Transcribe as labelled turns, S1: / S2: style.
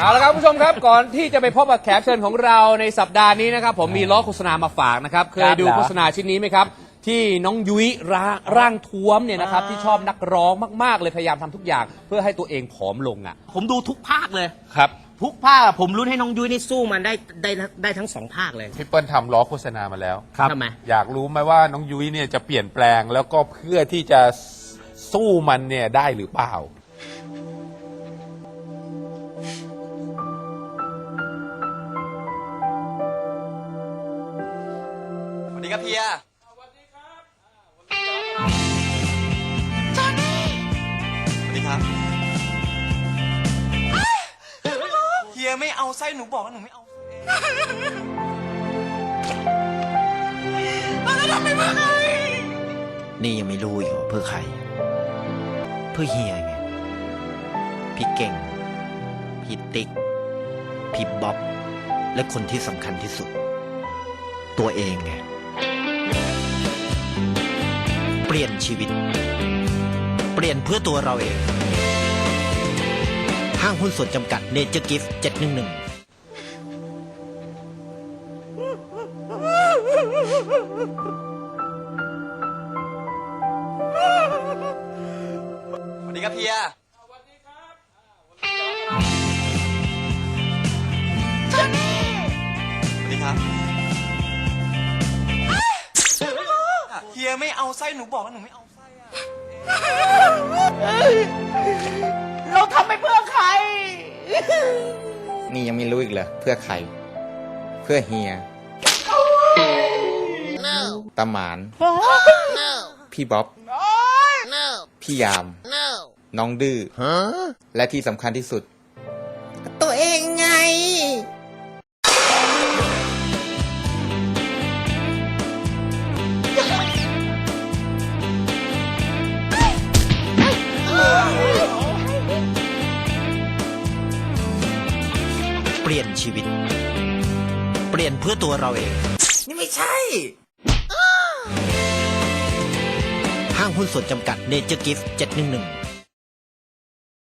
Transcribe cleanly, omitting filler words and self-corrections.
S1: เอาละครับคุณผู้ชมครับก่อนที่จะไปพบกับแขกเชิญของเราในสัปดาห์นี้นะครับผมมีล้อโฆษณามาฝากนะครับเคยดูโฆษณาชิ้นนี้ไหมครับที่น้องยุ้ยร่างท้วมเนี่ยนะครับที่ชอบนักร้องมากๆเลยพยายามทำทุกอย่างเพื่อให้ตัวเองผอมลงอ่ะ
S2: ผมดูทุกภาคเลย
S1: ครับ
S2: ทุกภาคผมรุ้นให้น้องยุ้ยนี่สู้มันได้ทั้ง2 ภาคเลย
S3: พี่เปิ้ลทำล้อโฆษณามาแล้ว
S2: ทำไม
S3: อยากรู้ไหมว่าน้องยุ้ยเนี่ยจะเปลี่ยนแปลงแล้วก็เพื่อที่จะสู้มันเนี่ยได้หรือเปล่า
S4: สวัสดีครับเฮียสวัสดีครับจอนนี่สวัสดีครับเฮียไม่เอาไส้หนูบอกว่าหนูไม่เอาแล้วทำไมเพื่อใคร
S5: นี่ยังไม่รู้อีกว่าเพื่อใคร เพื่อเฮียไง พี่เก่ง พี่ติ๊ก พี่บ๊อบ และคนที่สำคัญที่สุด ตัวเองไง เปลี่ยนชีวิต เปลี่ยนเพื่อตัวเราเอง ห้างหุ้นส่วนจำกัดเนเจอร์กิฟต์711
S4: สวัสดีครับเฮียสวัสดีครับจอนนี่สวัสดีครับเฮียไม่เอาไส้หนูบอกว่าหนูไม่เอาไส้อะเราทำไปเพื่อใคร
S6: นี่ยังไม่รู้อีกเหรอเพื่อใคร เพื่อเฮียตาหมาน พี่บ๊อบ พี่ยาม น้องดื้อและที่สำคัญที่สุด ตัวเองไง
S5: เปลี่ยนชีวิต เปลี่ยนเพื่อตัวเราเอง
S6: นี่ไม่ใช่
S5: ห้างหุ้นส่วนจำกัดเนเจอร์กิฟต์711